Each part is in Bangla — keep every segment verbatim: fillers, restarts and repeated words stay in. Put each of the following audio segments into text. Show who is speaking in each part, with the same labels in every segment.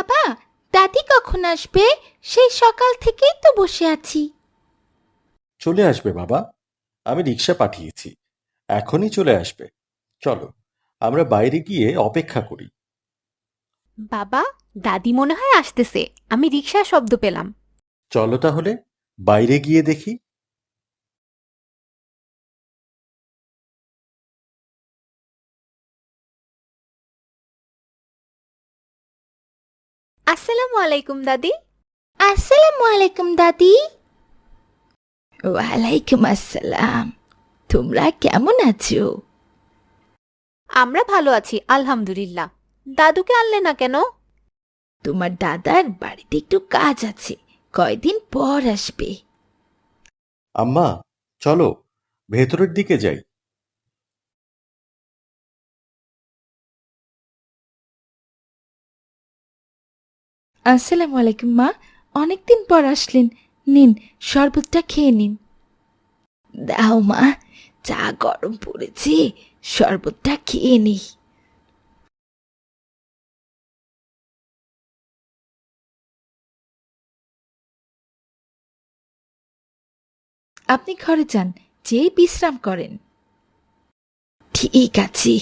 Speaker 1: বাবা, দাদি কখন আসবে? সেই সকাল থেকেই তো বসে আছি।
Speaker 2: চলে আসবে বাবা, আমি রিক্সা পাঠিয়েছি, এখনই চলে আসবে। চলো, আমরা বাইরে গিয়ে অপেক্ষা করি।
Speaker 3: বাবা, দাদি মনে হয় আসতেছে। আমি রিকশার শব্দ পেলাম।
Speaker 2: চলো তাহলে বাইরে গিয়ে দেখি।
Speaker 3: আসসালামু আলাইকুম দাদি।
Speaker 1: আসসালামু আলাইকুম দাদি। ওয়ালাইকুম আসসালাম। তোমরা কেমন আছো?
Speaker 3: আমরা ভালো আছি আলহামদুলিল্লাহ। দাদুকে আনলে না কেন?
Speaker 1: তোমার দাদার বাড়িতে একটু কাজ আছে, কয়দিন পর আসবে।
Speaker 2: আম্মা, চলো ভেতরের দিকে যাই।
Speaker 1: আসসালামু আলাইকুম মা, অনেকদিন পর আসলেন। নিন, শরবতটা খেয়ে নিন। দাও মা, চা গরম পড়েছে, শরবতটা খেয়ে নি। আপনি ঘরে যান, যেই বিশ্রাম করেন। ঠিক আছে।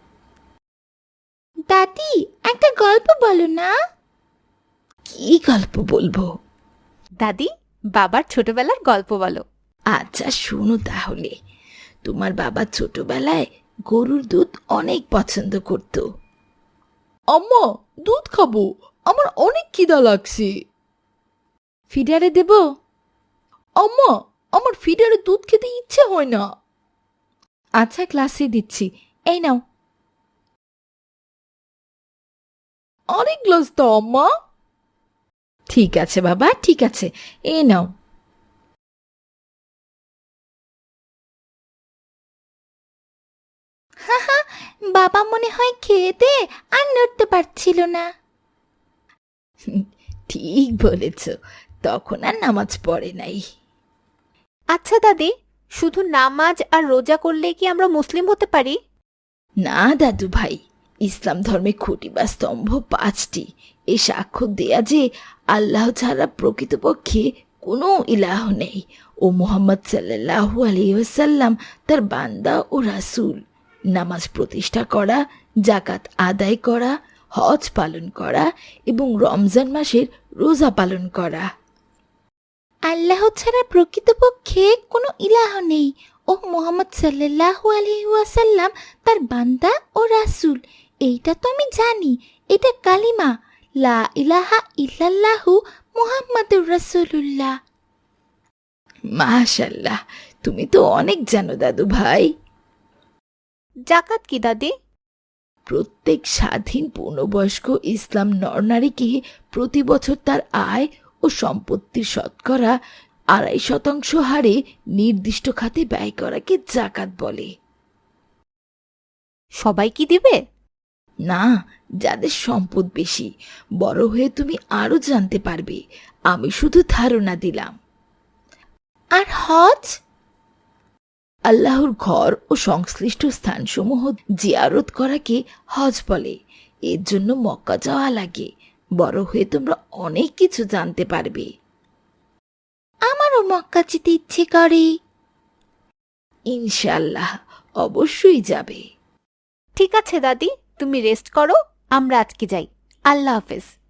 Speaker 1: দাদি, একটা গল্প বলো না। কি গল্প বলবো?
Speaker 3: দাদি, বাবার ছোটবেলার গল্প বলো।
Speaker 1: আচ্ছা শোনো তাহলে। তোমার বাবা ছোটবেলায় গরুর দুধ অনেক পছন্দ করত। আম্মা, দুধ খাবো, আমার অনেক খিদা লাগছে। ফিডারে দেব? আম্মা, আমার ফিডারে দুধ খেতে ইচ্ছে হয় না। আচ্ছা, ক্লাসে দিচ্ছি, এই নাও। অনেক গ্লাস দাও আম্মা। ঠিক আছে বাবা, ঠিক আছে, এই নাও। বাবা মনে হয় খেতে আর নড়তে পারছিল না। ঠিক বলেছ, তখন আর নামাজ পড়ে নাই।
Speaker 3: আচ্ছা দাদি, শুধু নামাজ আর রোজা করলেই কি আমরা মুসলিম হতে পারি?
Speaker 1: না দাদু ভাই, ইসলাম ধর্মে খুঁটি বা স্তম্ভ পাঁচটি। এ সাক্ষ্য দেয়া যে আল্লাহ ছাড়া প্রকৃতপক্ষে কোনো ইলাহ নেই ও মুহাম্মদ সাল্লাল্লাহু আলাইহি ওয়াসাল্লাম তার বান্দা ও রাসূল। নামাজ প্রতিষ্ঠা করা, জাকাত আদায় করা, হজ পালন করা এবং রমজান মাসের রোজা পালন করা। আল্লাহ ছাড়া প্রকৃতপক্ষে কোনো ইলাহ নেই ও মুহাম্মদ সাল্লাল্লাহু আলাইহি ওয়াসাল্লাম তার বান্দা ও রাসূল। এইটা তো আমি জানি, এটা কালিমা, লা ইলাহা ইল্লাল্লাহু মুহাম্মাদুর রাসূলুল্লাহ। মাশাআল্লাহ, তুমি তো অনেক জানো দাদু ভাই।
Speaker 3: জাকাত কি দাদি?
Speaker 1: প্রত্যেক স্বাধীন পূর্ণবয়স্ক ইসলাম নরনারীকে প্রতি বছর তার আয় ও সম্পত্তির শতকরা আড়াই শতাংশ হারে নির্দিষ্ট খাতে ব্যয় করাকে জাকাত বলে।
Speaker 3: সবাই কি দিবে?
Speaker 1: না, যাদের সম্পদ বেশি। বড় হয়ে তুমি আরো জানতে পারবে, আমি শুধু ধারণা দিলাম। আর হজ? আল্লাহর ঘর ও সংশ্লিষ্ট স্থানসমূহ জিয়ারত করাকে হজ বলে। এর জন্য মক্কা যাওয়া লাগে। বড় হয়ে তোমরা অনেক কিছু জানতে পারবে। আমারও মক্কা যেতে ইচ্ছে করে। ইনশাআল্লাহ, অবশ্যই যাবে।
Speaker 3: ঠিক আছে দাদি, তুমি রেস্ট করো, আমরা আজকে যাই। আল্লাহ হাফেজ।